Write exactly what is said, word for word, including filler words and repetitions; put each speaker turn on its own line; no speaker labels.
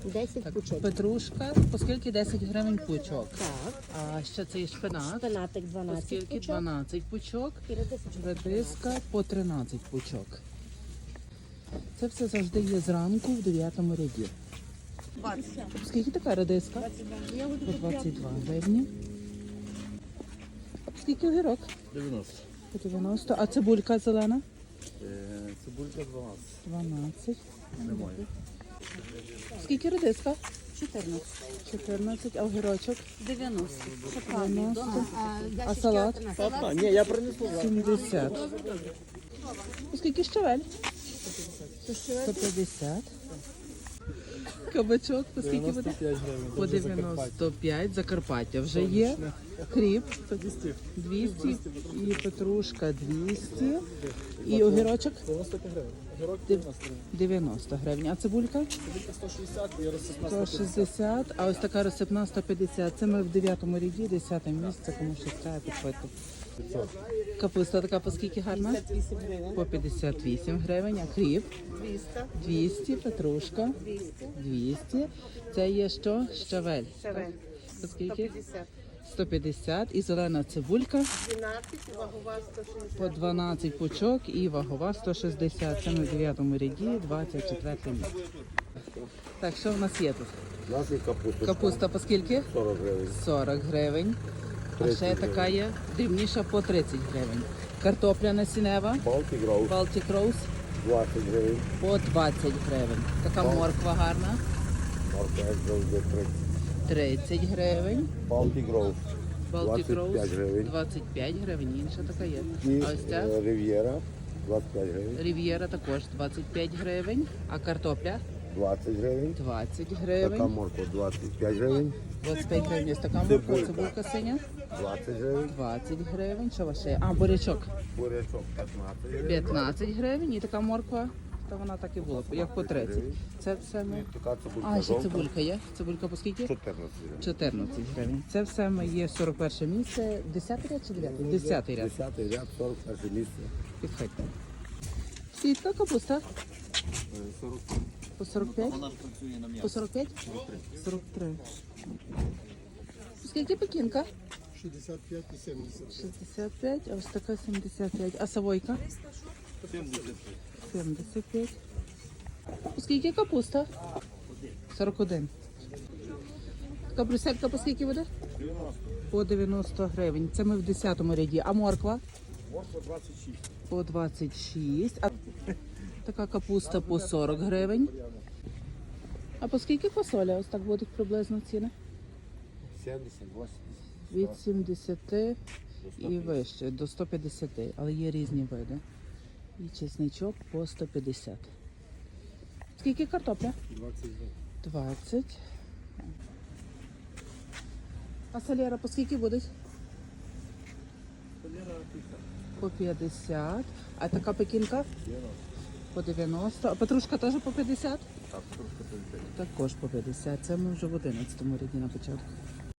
десять
Так,
пучок.
петрушка, оскільки десять гривень пучок.
Так.
А ще цей шпинат,
Шпинатик дванадцять
оскільки
пучок.
дванадцять пучок.
І редисочка
Редиска по тринадцять пучок. Це все завжди є зранку в дев'ятому ряді. Скільки така редиска? По двадцять два гривні. Скільки огірок?
дев'яносто.
По дев'яносто. А цибулька зелена?
Е, Цибулька дванадцять.
дванадцять.
Немає.
Скільки редиска?
чотирнадцять.
чотирнадцять. А огірочок?
дев'яносто.
дев'яносто.
А,
А салат?
А, ні, я принесу.
сімдесят. Скільки щавель? сто п'ятдесят. Кабачок, по скільки буде?
дев'яносто п'ять гривень.
По дев'яносто п'ять. Закарпаття вже є. Кріп двісті. І петрушка двісті. І огірочок
дев'яносто п'ять гривень. Огірок
Дев-
дев'яносто гривень.
дев'яносто гривень. А цибулька?
Цибулька сто шістдесят і розсипна
сто шістдесят. А ось така розсипна сто п'ятдесят. Це ми в дев'ятому ряді, десяте місце, кому що треба підходити. Капуста така по скільки гарна?
вісім гривень.
По п'ятдесят вісім гривень. А кріп?
двісті.
двісті. Петрушка?
двісті.
двісті. Це є що? Щавель.
Шевель.
По скільки?
п'ятдесят.
сто п'ятдесят. І зелена цибулька
дванадцять, вагова сто шістдесят.
по дванадцять пучок і вагова сто шістдесят. Це ми в дев'ятому ряді, двадцять четверте місце. Так, що в нас є тут?
У нас є капуста.
Капуста по скільки?
сорок гривень.
сорок гривень. А
тридцять
ще така є дрібніша по тридцять гривень. Картопля насінева,
Baltic Rose
Baltic Rose
двадцять гривень.
по двадцять гривень. Така морква гарна,
Морква Rose тридцять.
тридцять гривень.
Baltic Rose
Baltic
двадцять п'ять
Rose
гривень.
двадцять п'ять гривень, інша така є.
І
А ось ця
е, Riviera двадцять п'ять гривень.
Рів'єра також двадцять п'ять гривень, а картопля
двадцять гривень.
двадцять
Така
гривень.
морква двадцять п'ять гривень.
двадцять п'ять гривень ось така морква,
Цибулька.
цибулька синя,
двадцять гривень.
двадцять гривень. Що у вас ще є? А, бурячок
Бурячок п'ятнадцять гривень.
п'ятнадцять гривень і така морква, та вона так і була, як по тридцять. Це все ми...
Така цибулька
А, ще
жовта.
цибулька є. Цибулька по скільки?
чотирнадцять гривень.
чотирнадцять гривень. Це все ми є сорок перше місце. десятий ряд чи дев'ятий? десятий ряд.
десятий ряд, сорок перше місце.
Підходьте. Сітка, капуста.
сорок.
По сорок п'ять? По сорок п'ять? сорок три. Скільки пекінка?
шістдесят п'ять і сімдесят.
шістдесят п'ять, а ось така сімдесят п'ять. А савойка? сімдесят п'ять. Скільки капуста? сорок один. Така бруселька по скільки буде? По дев'яносто гривень. Це ми в десятому ряді. А морква?
Морква двадцять шість.
По двадцять шість. А така капуста по сорок гривень. А по скільки фасоля? Ось так будуть приблизно ціни?
сімдесят, вісімдесят.
Від сімдесят і вище, до сто п'ятдесят. Але є різні види. І чесничок по сто п'ятдесят. Скільки картопля?
двадцять два.
двадцять. А салєра по скільки будуть? По п'ятдесят. А така пекінка? По дев'яносто. А петрушка теж по п'ятдесят?
Так, трошки п'ятдесят.
Також по п'ятдесят. Це ми вже в одинадцятому ряді на початку.